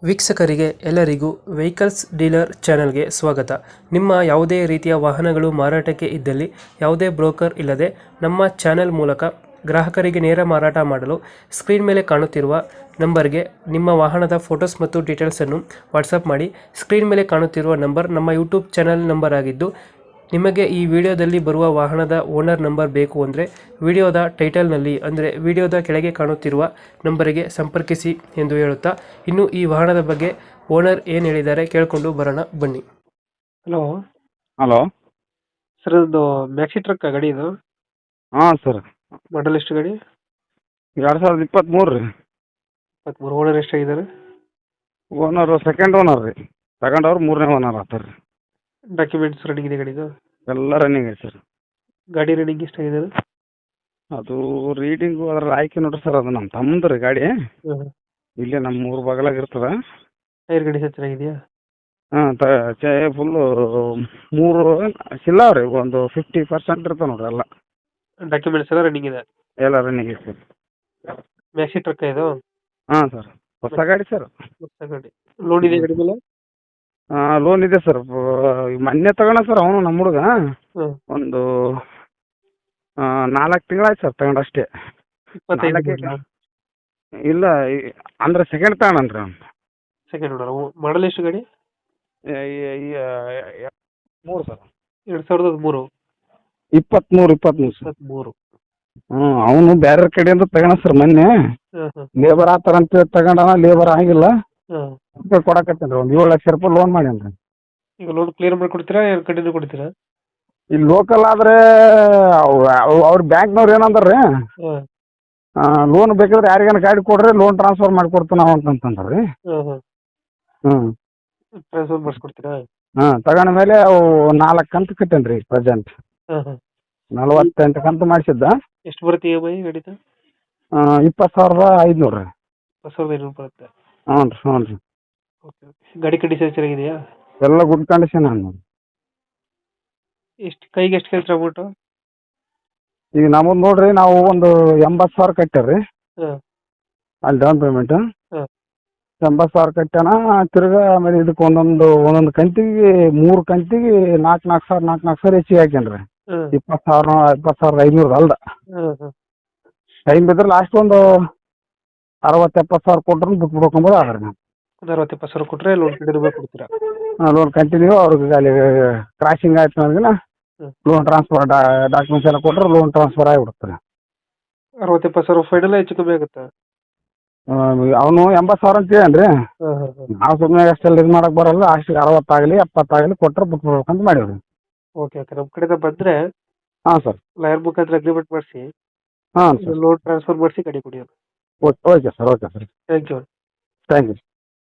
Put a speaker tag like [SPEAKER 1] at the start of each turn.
[SPEAKER 1] ವೀಕ್ಷಕರಿಗೆ ಎಲ್ಲರಿಗೂ vehicles dealer ಚಾನೆಲ್ಗೆ ಸ್ವಾಗತ. ನಿಮ್ಮ ಯಾವುದೇ ರೀತಿಯ ವಾಹನಗಳು ಮಾರಾಟಕ್ಕೆ ಇದ್ದಲ್ಲಿ ಯಾವುದೇ ಬ್ರೋಕರ್ ಇಲ್ಲದೆ ನಮ್ಮ ಚಾನೆಲ್ ಮೂಲಕ ಗ್ರಾಹಕರಿಗೆ ನೇರ ಮಾರಾಟ ಮಾಡಲು ಸ್ಕ್ರೀನ್ ಮೇಲೆ ಕಾಣುತ್ತಿರುವ ನಂಬರ್ಗೆ ನಿಮ್ಮ ವಾಹನದ ಫೋಟೋಸ್ ಮತ್ತು ಡೀಟೇಲ್ಸನ್ನು ವಾಟ್ಸಪ್ ಮಾಡಿ. ಸ್ಕ್ರೀನ್ ಮೇಲೆ ಕಾಣುತ್ತಿರುವ ನಂಬರ್ ನಮ್ಮ ಯೂಟ್ಯೂಬ್ ಚಾನೆಲ್ ನಂಬರ್ ಆಗಿದ್ದು, ನಿಮಗೆ ಈ ವಿಡಿಯೋದಲ್ಲಿ ಬರುವ ವಾಹನದ ಓನರ್ ನಂಬರ್ ಬೇಕು ಅಂದರೆ ವಿಡಿಯೋದ ಟೈಟಲ್ನಲ್ಲಿ ಅಂದರೆ ವಿಡಿಯೋದ ಕೆಳಗೆ ಕಾಣುತ್ತಿರುವ ನಂಬರಿಗೆ ಸಂಪರ್ಕಿಸಿ ಎಂದು ಹೇಳುತ್ತಾ, ಇನ್ನು ಈ ವಾಹನದ ಬಗ್ಗೆ ಓನರ್ ಏನು ಹೇಳಿದ್ದಾರೆ ಕೇಳಿಕೊಂಡು ಬರೋಣ ಬನ್ನಿ. Hello
[SPEAKER 2] hello.
[SPEAKER 1] ಸರ್, ಒಂದು ಮ್ಯಾಕ್ಸಿ ಟ್ರಕ್ ಗಾಡಿ ಇದು
[SPEAKER 2] ಹಾಂ ಸರ್.
[SPEAKER 1] ಮಾಡಲ್ ಎಷ್ಟು ಗಾಡಿ?
[SPEAKER 2] 2023 ರೀ.
[SPEAKER 1] 23. ಓನರ್ ಎಷ್ಟಾಗಿದ್ದಾರೆ?
[SPEAKER 2] ಓನರು ಸೆಕೆಂಡ್ ಓನರ್ ರೀ. ಸೆಕೆಂಡ್ ಅವ್ರು ಮೂರನೇ ಓನರ್ ಆಗ್ತಾರೆ ರೀ.
[SPEAKER 1] ಡಾಕ್ಯುಮೆಂಟ್ಸ್ ರನ್ನಿಂಗ್ ಇದೆ ಗಾಡಿದು?
[SPEAKER 2] ಎಲ್ಲ ರನ್ನಿಂಗ್ ಐತೆ ಸರ್.
[SPEAKER 1] ಗಾಡಿ ರನ್ನಿಂಗ್ ಎಷ್ಟಾಗಿದೆ?
[SPEAKER 2] ಅದು ರೀಡಿಂಗು ಅದ್ರ ಆಯ್ಕೆ ನೋಡ್ರಿ ಸರ್, ಅದು ನಮ್ಮ ತಮ್ಮದು ರೀ ಗಾಡಿ. ಇಲ್ಲೇ ನಮ್ಮ ಊರು ಬಗಲಾಗ ಇರ್ತದೆ.
[SPEAKER 1] ಟೈರ್ ಗಾಡಿ ಸಹ ಚೆನ್ನಾಗಿದೆಯಾ?
[SPEAKER 2] ಹಾಂ ಫುಲ್ಲು 3 ಸಿಲ್ಲಾವ್ ರೀ. ಒಂದು 50% ಇರ್ತವೆ ನೋಡ್ರಿ ಎಲ್ಲ.
[SPEAKER 1] ಡಾಕ್ಯುಮೆಂಟ್ಸ್ ಎಲ್ಲ ರನ್ನಿಂಗ್ ಇದೆ?
[SPEAKER 2] ಎಲ್ಲ ರನ್ನಿಂಗ್ ಐತೆ ಸರ್.
[SPEAKER 1] ಮ್ಯಾಕ್ಸಿ ಟ್ರಕ್ ಇದು?
[SPEAKER 2] ಹಾಂ ಸರ್, ಹೊಸ ಗಾಡಿ ಸರ್.
[SPEAKER 1] ಹೊಸ ಗಾಡಿ. ಲೋನ್ ಇದೆ ಗಾಡಿ ಮೇಲೆ?
[SPEAKER 2] ಲೋನ್ ಇದೆ ಸರ್. ಮೊನ್ನೆ ತಗೋಣ ಸರ್ ಅವನು ನಮ್ಮ ಹುಡುಗ. ಒಂದು 4 ತಿಂಗಳಾಯ್ತು ಸರ್ ತಗೊಂಡು ಅಷ್ಟೇ.
[SPEAKER 1] 25
[SPEAKER 2] ಇಲ್ಲ, ಅಂದ್ರೆ ಸೆಕೆಂಡ್ ತಗೊಂಡ್ರಿ ಅವ್ನು.
[SPEAKER 1] Second owner. ಮಾಡಲ್ ಎಷ್ಟು ಗಾಡಿ?
[SPEAKER 2] 3 ಸರ್.
[SPEAKER 1] 2003.
[SPEAKER 2] 23 ಸರ್.
[SPEAKER 1] 23.
[SPEAKER 2] ಅವನು ಬೇರೆ ಕಡೆಯಿಂದ ತಗೋಣ ಸರ್ ಮೊನ್ನೆ. ಲೇಬರ್ ಆತರ ಅಂತ ತಗೊಂಡಾನ, ಲೇಬರ್ ಆಗಿಲ್ಲ. ಕೊಡಕತ್ತೇನ್ರಿ ಒಂದು 7 ಲಕ್ಷ ರೂಪಾಯಿ ಲೋನ್ ಮಾಡ್ಯಾನ್ರಿ.
[SPEAKER 1] ಈಗ ಲೋನ್ ಕ್ಲಿಯರ್ ಮಾಡಿ ಕೊಡ್ತೀರಾ, ಕಂಟಿನ್ಯೂ ಕೊಡ್ತೀರಾ?
[SPEAKER 2] ಇಲ್ಲಿ ಲೋಕಲ್ ಆದ್ರೆ ಅವ್ರ ಬ್ಯಾಂಕ್ನವ್ರು ಏನಂದ್ರಿ, ಲೋನ್ ಬೇಕಾದ್ರೆ ಯಾರಿಗಾನ ಗಾಡಿ ಕೊಡ್ರಿ, ಲೋನ್ ಟ್ರಾನ್ಸ್ಫರ್ ಮಾಡಿಕೊಡ್ತೀವಿ ನಾವು ಅಂತಂದ್ರಿ.
[SPEAKER 1] ಟ್ರಾನ್ಸ್ಫರ್ ಮಾಡಿಸ್ಕೊಡ್ತೀರಾ?
[SPEAKER 2] ತಗೊಂಡ ಮೇಲೆ ಅವು 4 ಕಂತು ಕಟ್ಟೇನ್ರಿ ಪ್ರೆಸೆಂಟ್. 48 ಕಂತು ಮಾಡಿಸಿದ್ದ.
[SPEAKER 1] ಎಷ್ಟು ಬರುತ್ತೆ EMI ಗಾಡಿದು?
[SPEAKER 2] 20,500 ರೀ.
[SPEAKER 1] 20,500 ಬರುತ್ತೆ.
[SPEAKER 2] ಹ್ಞೂ ರೀ.
[SPEAKER 1] ಓಕೆ. ಗಾಡಿ ಕಂಡೀಷನ್ ಚೆನ್ನಾಗಿದೆಯಾ?
[SPEAKER 2] ಎಲ್ಲ ಗುಡ್ ಕಂಡೀಷನ್ ಅನ್ನ.
[SPEAKER 1] ಎಷ್ಟು ಕೈಗೆ ಎಷ್ಟು ಕೇಳ್ತೀರಾ ಅಮೌಂಟು?
[SPEAKER 2] ಈಗ ನಮ್ಮದು ನೋಡ್ರಿ, ನಾವು ಒಂದು 80,000 ಕಟ್ಟ್ಯಾರ್ರಿ ಅಲ್ಲಿ ಡೌನ್ ಪೇಮೆಂಟ್. 80,000 ಕಟ್ಟ್ಯಾನ. ತಿರ್ಗಾ ಆಮೇಲೆ ಇದಕ್ಕೆ ಒಂದೊಂದು ಕಂತಿಗೆ 3 ಕಂತಿಗೆ 4,000 ಹೆಚ್ಚಿಗೆ ಹಾಕ್ಯಾನ್ರಿ. 20,500 ಅಲ್ದ. ಟೈಮ್ ಬಿದ್ರೆ ಲಾಸ್ಟ್ ಒಂದು 60,000-70,000 ಕೊಟ್ರು ಬಿಟ್ಬಿಡ್ಕೊಂಬೋದು ಆದ್ರೆ ನಾವು.
[SPEAKER 1] 60,000-70,000 ಕೊಟ್ಟರೆ ಲೋನ್ ಕಂಟಿನ್ಯೂ ಕೊಡ್ತೀರಾ?
[SPEAKER 2] ಲೋನ್ ಕಂಟಿನ್ಯೂ ಅವ್ರಿಗೆ ಅಲ್ಲಿ ಕ್ರಾಸಿಂಗ್ ಆಯ್ತು ನನಗಿನ ಲೋನ್ ಟ್ರಾನ್ಸ್ಫರ್ ಡಾಕ್ಯುಮೆಂಟ್ಸ್ ಎಲ್ಲ ಕೊಟ್ಟರೆ ಲೋನ್ ಟ್ರಾನ್ಸ್ಫರ್ ಆಗಿಬಿಡುತ್ತೆ.
[SPEAKER 1] 60,000-70,000 ಫೈನಲ್ ಹೆಚ್ಚು ಕಮ್ಮಿ ಆಗುತ್ತಾ?
[SPEAKER 2] ಅವನು 80,000 ಅಂತ ಹೇಳನ್ರಿ. ನಾವು ಸುಮ್ಮನೆ ಅಷ್ಟೆಲ್ಲ ಇದು ಮಾಡಕ್ಕೆ ಬರಲ್ಲ. ಅಷ್ಟಿಗೆ 60 ಆಗಲಿ 70 ಆಗಲಿ ಕೊಟ್ಟರೆ ಬಿಟ್ಬಿಡ್ಬೇಕಂತ ಮಾಡೀವಿ.
[SPEAKER 1] ಓಕೆ. ನಮ್ಮ ಕಡೆಯಿಂದ ಬಂದರೆ
[SPEAKER 2] ಹಾಂ ಸರ್,
[SPEAKER 1] ಲಾಯರ್ ಮುಖಾಂತರ ಅಗ್ರಿಮೆಂಟ್ ಮಾಡಿಸಿ
[SPEAKER 2] ಹಾಂ ಸರ್,
[SPEAKER 1] ಲೋನ್ ಟ್ರಾನ್ಸ್ಫರ್ ಮಾಡಿಸಿ ಗಾಡಿ ಕೊಡಿ.
[SPEAKER 2] Okay sir. Thank you.